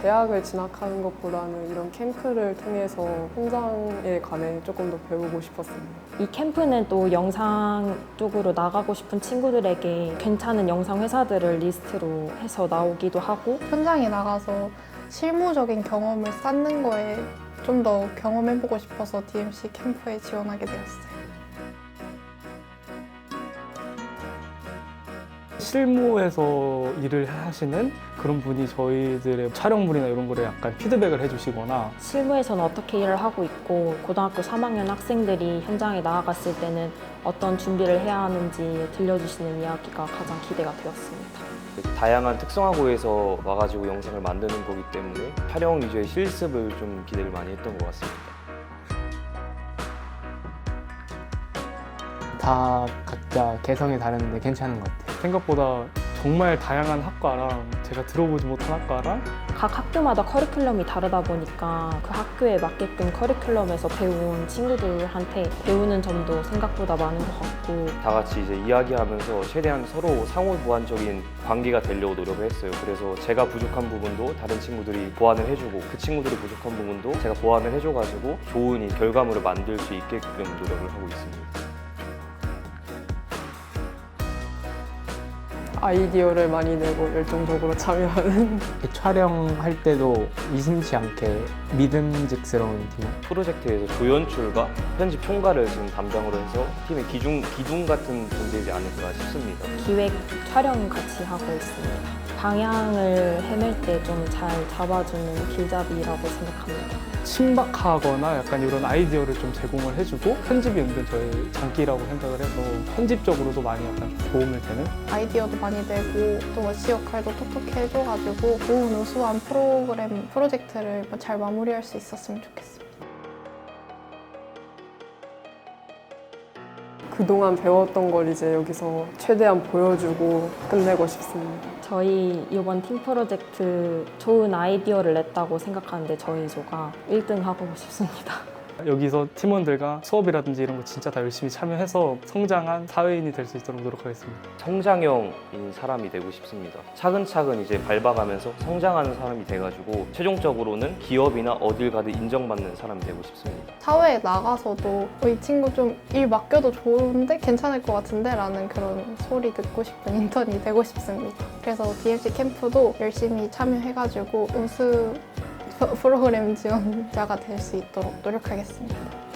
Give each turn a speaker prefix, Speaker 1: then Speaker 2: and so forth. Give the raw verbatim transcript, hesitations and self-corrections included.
Speaker 1: 대학을 진학하는 것보다는 이런 캠프를 통해서 현장에 관해 조금 더 배우고 싶었습니다.
Speaker 2: 이 캠프는 또 영상 쪽으로 나가고 싶은 친구들에게 괜찮은 영상 회사들을 리스트로 해서 나오기도 하고,
Speaker 3: 현장에 나가서 실무적인 경험을 쌓는 거에 좀 더 경험해보고 싶어서 디엠씨 캠프에 지원하게 되었어요.
Speaker 4: 실무에서 일을 하시는 그런 분이 저희들의 촬영물이나 이런 거를 약간 피드백을 해주시거나,
Speaker 2: 실무에서는 어떻게 일을 하고 있고 고등학교 삼 학년 학생들이 현장에 나아갔을 때는 어떤 준비를 해야 하는지 들려주시는 이야기가 가장 기대가 되었습니다.
Speaker 5: 다양한 특성화고에서 와가지고 영상을 만드는 거기 때문에 촬영 위주의 실습을 좀 기대를 많이 했던 것 같습니다.
Speaker 6: 다 각자 개성이 다른데 괜찮은 것 같아요.
Speaker 4: 생각보다 정말 다양한 학과랑 제가 들어보지 못한 학과랑
Speaker 2: 각 학교마다 커리큘럼이 다르다 보니까 그 학교에 맞게끔 커리큘럼에서 배운 친구들한테 배우는 점도 생각보다 많은 것 같고,
Speaker 5: 다 같이 이제 이야기하면서 최대한 서로 상호 보완적인 관계가 되려고 노력을 했어요. 그래서 제가 부족한 부분도 다른 친구들이 보완을 해주고, 그 친구들이 부족한 부분도 제가 보완을 해줘가지고 좋은 이 결과물을 만들 수 있게끔 노력을 하고 있습니다.
Speaker 1: 아이디어를 많이 내고 열정적으로 참여하는
Speaker 6: 촬영할 때도 의심치 않게 믿음직스러운 팀.
Speaker 5: 프로젝트에서 조연출과 편집 총괄을 지금 담당으로 해서 팀의 기둥, 기둥 같은 존재이지 않을까 싶습니다.
Speaker 2: 기획, 촬영 같이 하고 있습니다. 방향을 헤맬 때 좀 잘 잡아주는 길잡이라고 생각합니다.
Speaker 4: 신박하거나 약간 이런 아이디어를 좀 제공을 해주고, 편집이 은근 저의 장기라고 생각을 해서 편집적으로도 많이 약간 좀 도움을 되는.
Speaker 3: 아이디어도 많이 내고 또 워시 역할도 톡톡히 해줘가지고 좋은 우수한 프로그램, 프로젝트를 잘 마무리할 수 있었으면 좋겠습니다.
Speaker 1: 그동안 배웠던 걸 이제 여기서 최대한 보여주고 끝내고 싶습니다.
Speaker 2: 저희 이번 팀 프로젝트 좋은 아이디어를 냈다고 생각하는데 저희 조가 일 등 하고 싶습니다.
Speaker 4: 여기서 팀원들과 수업이라든지 이런 거 진짜 다 열심히 참여해서 성장한 사회인이 될 수 있도록 노력하겠습니다.
Speaker 5: 성장형인 사람이 되고 싶습니다. 차근차근 이제 밟아가면서 성장하는 사람이 돼가지고 최종적으로는 기업이나 어딜 가든 인정받는 사람이 되고 싶습니다.
Speaker 3: 사회에 나가서도 어, 이 친구 좀 일 맡겨도 좋은데 괜찮을 것 같은데 라는 그런 소리 듣고 싶은 인턴이 되고 싶습니다. 그래서 디엠씨 캠프도 열심히 참여해가지고 우수 프로그램 지원자가 될 수 있도록 노력하겠습니다.